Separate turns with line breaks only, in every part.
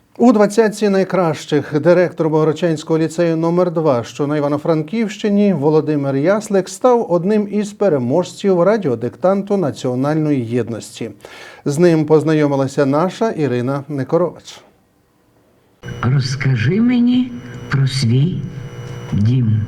У 20-ці найкращих директор Богородчанського ліцею номер 2, що на Івано-Франківщині, Володимир Яслик став одним із переможців радіодиктанту національної єдності. З ним познайомилася наша Ірина Некорович.
Розкажи мені про свій дім.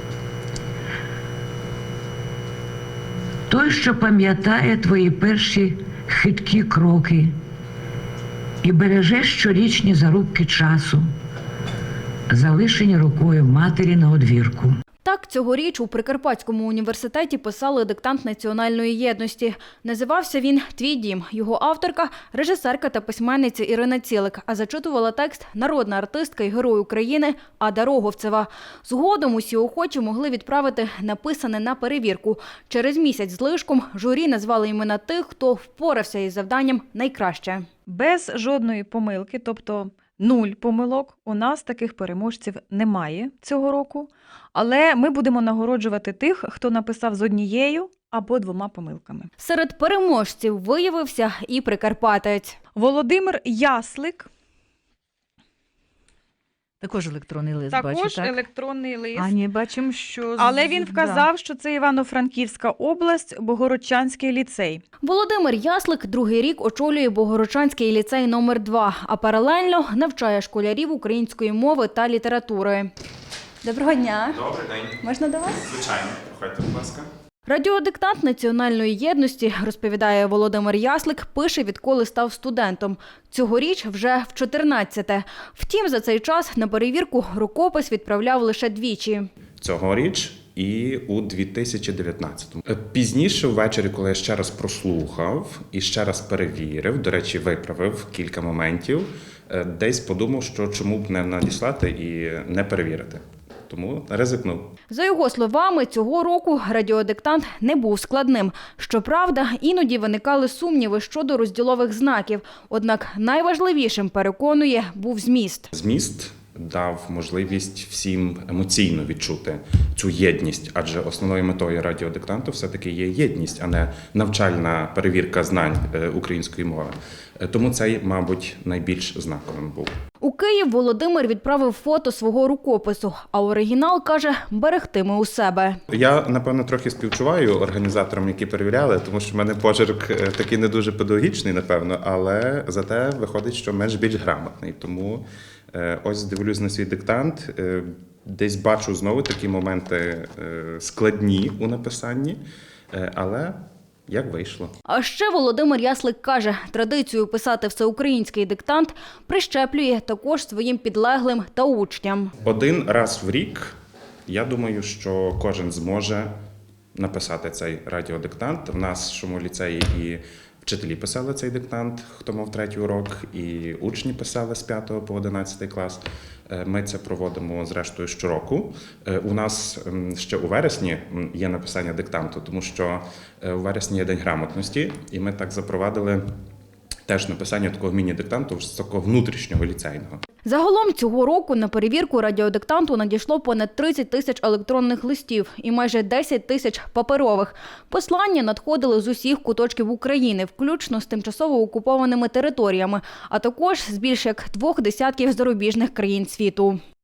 Той, що пам'ятає твої перші хиткі кроки і береже щорічні зарубки часу, залишені рукою матері на одвірку.
Так, цьогоріч у Прикарпатському університеті писали диктант національної єдності. Називався він «Твій дім». Його авторка – режисерка та письменниця Ірина Цілик, а зачитувала текст народна артистка і герой України Ада Роговцева. Згодом усі охочі могли відправити написане на перевірку. Через місяць з лишком журі назвали імена тих, хто впорався із завданням найкраще.
Без жодної помилки, тобто 0 помилок, у нас таких переможців немає цього року. Але ми будемо нагороджувати тих, хто написав з однією або 2 помилками.
Серед переможців виявився і прикарпатець.
Володимир Яслик.
Також електронний лист,
Також
бачу, так?
електронний лист.
А ні, бачимо, що...
Але він вказав, що це Івано-Франківська область, Богородчанський ліцей.
Володимир Яслик другий рік очолює Богородчанський ліцей номер 2, а паралельно навчає школярів української мови та літератури. Доброго дня.
Добрий день.
Можна до вас?
Звичайно. Проходьте, будь ласка.
Радіодиктант національної єдності, розповідає Володимир Яслик, пише, відколи став студентом. Цьогоріч вже в 14-те. Втім, за цей час на перевірку рукопис відправляв лише двічі.
Цьогоріч і у 2019-му. Пізніше ввечері, коли я ще раз прослухав і ще раз перевірив, до речі, виправив кілька моментів, десь подумав, що чому б не надіслати і не перевірити. Тому ризикнув.
За його словами, цього року радіодиктант не був складним. Щоправда, іноді виникали сумніви щодо розділових знаків. Однак найважливішим, переконує, був зміст.
Зміст дав можливість всім емоційно відчути цю єдність, адже основною метою радіодиктанту все-таки є єдність, а не навчальна перевірка знань української мови. Тому цей, мабуть, найбільш знаковим був.
У Київ Володимир відправив фото свого рукопису, а оригінал, каже, берегтиме у себе.
Я, напевно, трохи співчуваю організаторам, які перевіряли, тому що в мене почерк такий не дуже педагогічний, напевно, але зате виходить, що менш більш грамотний. Тому ось дивлюсь на свій диктант, десь бачу знову такі моменти складні у написанні, але як вийшло.
А ще Володимир Яслик каже, традицію писати всеукраїнський диктант прищеплює також своїм підлеглим та учням.
Один раз в рік, я думаю, що кожен зможе написати цей радіодиктант. В нашому ліцеї і вчителі писали цей диктант, хто мав 3-й урок, і учні писали з 5 по 11 клас. Ми це проводимо, зрештою, щороку. У нас ще у вересні є написання диктанту, тому що у вересні є День грамотності, і ми так запровадили теж написання такого міні-диктанту з такого внутрішнього ліцейного.
Загалом цього року на перевірку радіодиктанту надійшло понад 30 тисяч електронних листів і майже 10 тисяч паперових. Послання надходили з усіх куточків України, включно з тимчасово окупованими територіями, а також з більш як 2 десятків зарубіжних країн світу.